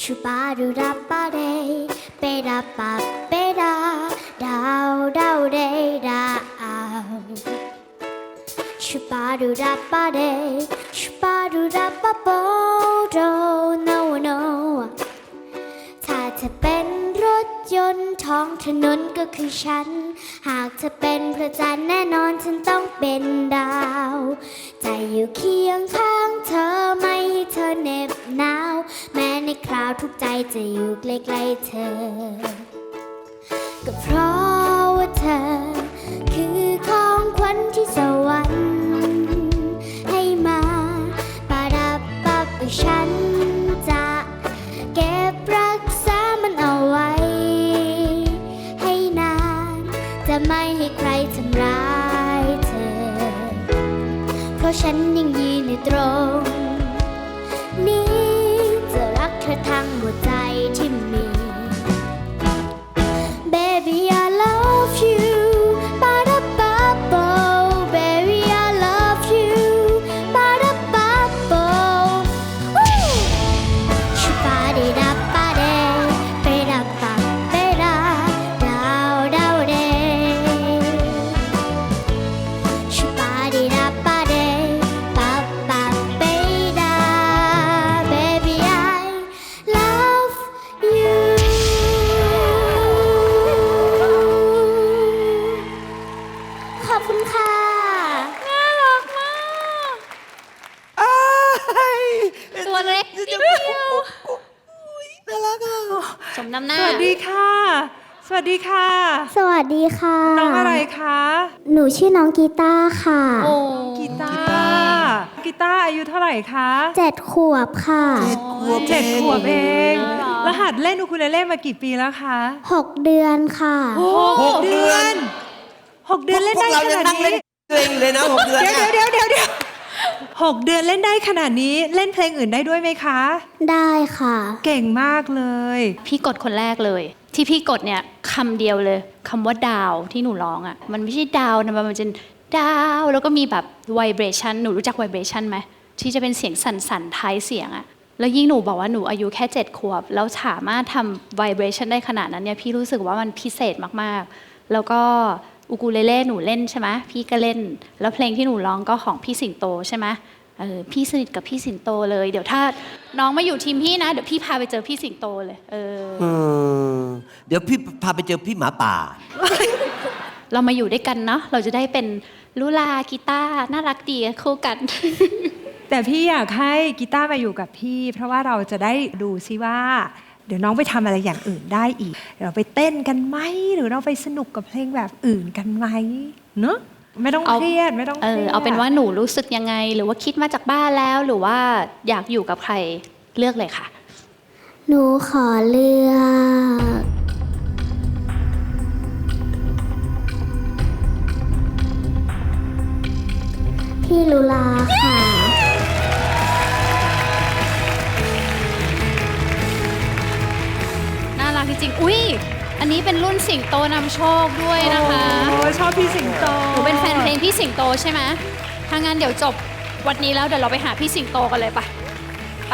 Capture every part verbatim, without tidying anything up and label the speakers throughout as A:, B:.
A: ชูบาดูดับปาเดเปดาปาเปดาดาวดาวเดดาวชูบาดูดับปาเดชูบาดูดับปาโปโด no no ถ้าเธอเป็นรถยนต์ท้องถนนก็คือฉันหากเธอเป็นพระจันทร์แน่นอนฉันต้องเป็นดาวใจอยู่เคียงข้างเธอไม่ให้เธอเหน็บหนาวแม้ในคราวทุกใจจะอยู่ใกล้ๆเธอก็เพราะว่าเธอคือของขวัญที่สวรรค์ให้มาปาดับปับฉันจะเก็บรักษามันเอาไว้ให้นานจะไม่ให้ใครทำร้ายเธอเพราะฉันยังยืนอยู่ตรงนี้จะรักเธอทั้งหัวใจที่มี Baby I love you Ba-da-ba-bo Baby I love you Ba-da-ba-bo Shu-ba-di-da-ba-de Be-da-ba-be-da Dow-dow-de Shu-ba-di-da-ba-de Ba-ba-be-da Baby I love you ขอบคุณค่ะ
B: น่ารักมาก
C: อ้าย
B: ตัวเล็กนิดเดียว
C: น่ารักอ่ะ
B: สมน้ำหน้า
D: สวัสดีค่ะ สวัสดีค่ะ
A: สวัสดีค่ะ
D: น้องอะไรคะ
A: หนูชื่อน้องกีตาร์ค่ะ
B: โอ้
D: กีตาร์กีตาร์อายุเท่าไหร่คะ
A: เจ็ดขวบค่ะ
C: เจ็ดขวบ
D: เจ็ดขวบเอง
B: อ๋อเหรอ
D: แล้วหัดเล่นอูคูเลเล่มากี่ปีแล้วคะ
A: หกเดือนค่ะ
C: หกเดือน
D: หกเดือนเล่นได้
C: พวก
D: ข
C: เรายัง
D: นาด
C: นั่งเล่
D: นี้
C: นเพลงอยู่เลยนะหกเดือน
D: เดี๋ยว
C: น่ะ
D: เดี๋ยวเดี๋ยวเดี๋ยวหกเดือนเล่นได้ขนาดนี้เล่นเพลงอื่นได้ด้วยไหมคะ
A: ได้ค่ะ
D: เก่งมากเลย
B: พี่กดคนแรกเลย ที่พี่กดเนี่ยคำเดียวเลยคำว่าดาวที่หนูร้องอ่ะมันไม่ใช่ดาวนะมันเป็นดาวแล้วก็มีแบบ vibration หนูรู้จัก vibration ไหมที่จะเป็นเสียงสั่นๆท้ายเสียงอ่ะแล้วยิ่งหนูบอกว่าหนูอายุแค่เจ็ดขวบแล้วสามารถทำ vibration ได้ขนาดนั้นเนี่ยพี่รู้สึกว่ามันพิเศษมากๆแล้วก็อูกูเลเล่หนูเล่นใช่ไหมพี่ก็เล่นแล้วเพลงที่หนูร้องก็ของพี่สิงโตใช่ไหมเออพี่สนิทกับพี่สิงโตเลยเดี๋ยวถ้าน้องมาอยู่ทีมพี่นะเดี๋ยวพี่พาไปเจอพี่สิงโตเลยเออ
C: อืมเดี๋ยวพี่พาไปเจอพี่หมาป่า
B: เรามาอยู่ด้วยกันเนาะ เราจะได้เป็นลุลากีตาร์น่ารักดีคู่กัน
D: แต่พี่อยากให้กีตาร์มาอยู่กับพี่ เพราะว่าเราจะได้ดูซิว่า เดี๋ยวน้องไปทำอะไรอย่างอื่นได้อีกเดี๋ยวเราไปเต้นกันไหมหรือเราไปสนุกกับเพลงแบบอื่นกันไหมเนอะไม่ต้อง
B: เอา
D: เครียดไม่ต้อง
B: เอ
D: เครี
B: อย
D: ด
B: เอาเป็นว่าหนูรู้สึกยังไง หรือว่าคิดมาจากบ้านแล้ว หรือว่าอยากอยู่กับใครเลือกเลยค่ะ
A: หนูขอเลือกพี่ลุลาค่ะ
B: น่ารักจริงๆ อุ้ย อันนี้เป็นรุ่นสิงโตนำโชคด้วยนะคะ
D: โอ้ชอบพี่สิงโต
B: หนูเป็นแฟนเพลงพี่สิงโตใช่ไหมถ้างั้นเดี๋ยวจบวันนี้แล้วเดี๋ยวเราไปหาพี่สิงโตกันเลยไปไป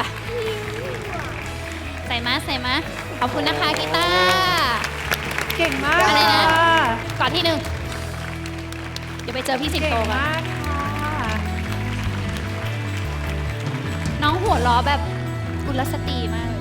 B: ใส่มาใส่มาขอบคุณนะคะกีตาร์
D: เก่งมาก
B: อะไรนะ
D: ค่
B: ก่อนที่หนึ่งเดี๋ยวไปเจอพี่สิง
D: เก่
B: โต
D: ง
B: กัน
D: มากค่ะ
B: น้องหัวล้อแบบกุลสตรีมาก